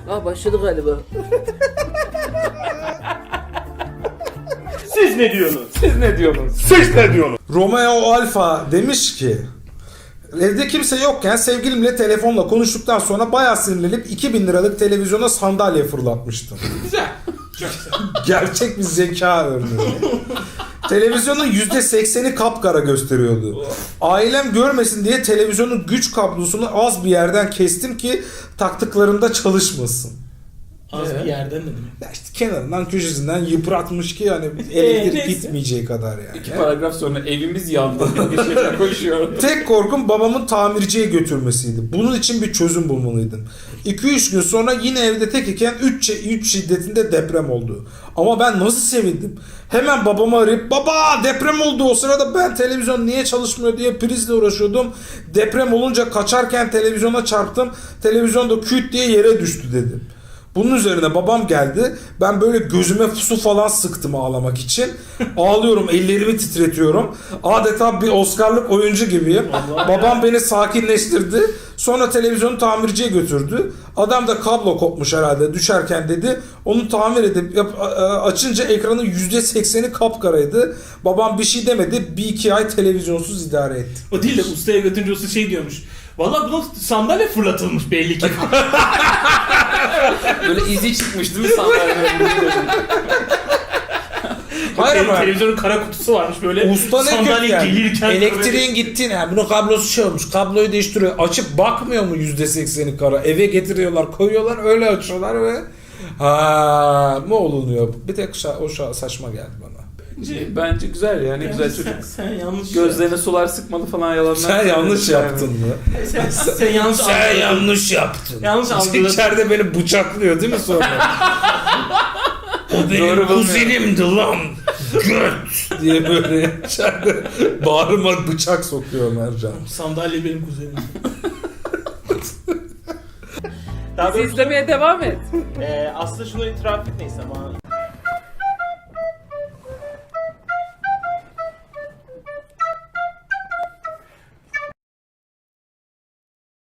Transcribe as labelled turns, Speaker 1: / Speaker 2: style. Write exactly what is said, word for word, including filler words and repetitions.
Speaker 1: Ah başladı galiba.
Speaker 2: Siz ne diyorsunuz?
Speaker 3: Siz ne diyorsunuz?
Speaker 2: Siz ne diyorsunuz?
Speaker 4: Romeo Alfa demiş ki evde kimse yokken sevgilimle telefonla konuştuktan sonra bayağı sinirlenip iki bin liralık televizyona sandalye fırlatmıştım.
Speaker 2: Güzel. Çok güzel.
Speaker 4: Gerçek bir zeka örneği. Televizyonun yüzde sekseni kapkara gösteriyordu. Ailem görmesin diye televizyonun güç kablosunu az bir yerden kestim ki taktıklarında çalışmasın.
Speaker 2: Az
Speaker 3: Evet.
Speaker 2: bir yerden ne demek?
Speaker 4: Ya işte kenarından köşesinden yıpratmış ki hani elektrik
Speaker 2: neyse.
Speaker 4: gitmeyeceği kadar yani.
Speaker 3: İki paragraf sonra evimiz yandı. Bir şeyler koşuyor.
Speaker 4: Tek korkum babamın tamirciye götürmesiydi. Bunun için bir çözüm bulmalıydım. iki üç gün sonra yine evde tek iken üç şiddetinde deprem oldu. Ama ben nasıl sevindim. Hemen babamı arayıp baba deprem oldu, o sırada ben televizyon niye çalışmıyor diye prizle uğraşıyordum. Deprem olunca kaçarken televizyona çarptım. Televizyon da küt diye yere düştü dedim. Bunun üzerine babam geldi. Ben böyle gözüme su falan sıktım ağlamak için. Ağlıyorum, ellerimi titretiyorum. Adeta bir Oscar'lık oyuncu gibiyim.
Speaker 2: Allah
Speaker 4: Babam beni sakinleştirdi. Sonra televizyonu tamirciye götürdü. Adam da kablo kopmuş herhalde düşerken dedi. Onu tamir edip yap, açınca ekranın yüzde sekseni kapkaraydı. Babam bir şey demedi. Bir iki ay televizyonsuz idare etti.
Speaker 2: O değil de ustaya götürünce usta şey diyormuş. Valla buna sandalye fırlatılmış belli ki.
Speaker 3: Böyle izi çıkmış değil mi sandalyenin?
Speaker 4: Hayır
Speaker 2: Benim
Speaker 4: ama
Speaker 2: televizyonun kara kutusu varmış böyle.
Speaker 4: usta ne
Speaker 2: sandalye
Speaker 4: kötü yani.
Speaker 2: gelirken
Speaker 4: Elektriğin gittiğini yani bunun kablosu şey olmuş. Kabloyu değiştiriyor. Açıp bakmıyor mu yüzde sekseni kara? Eve getiriyorlar, koyuyorlar, öyle açıyorlar ve ha mı olunuyor? Bir tek şa- o şa- saçma geldi bana.
Speaker 3: Bence, bence güzel ya, ne
Speaker 2: Yani
Speaker 3: güzel
Speaker 2: sen,
Speaker 3: çocuk.
Speaker 2: sen yanlış
Speaker 3: Gözlerine sular sıkmadı falan yalanlar.
Speaker 4: Sen yanlış yaptın mı?
Speaker 2: Sen, sen yanlış
Speaker 4: Sen
Speaker 2: algıladın.
Speaker 4: yanlış yaptın.
Speaker 2: Yanlış algıladın.
Speaker 4: İçeride beni bıçaklıyor değil mi sonra? O benim
Speaker 3: Doğru bulmuyorum.
Speaker 4: kuzenimdi lan. Göt diye böyle içeride bağrıma bıçak sokuyor Mercan.
Speaker 2: Sandalye benim kuzenim. Daha
Speaker 1: Bizi
Speaker 2: doğrusu
Speaker 1: izlemeye devam et.
Speaker 2: e, aslında şunu itiraf etmeyiz ama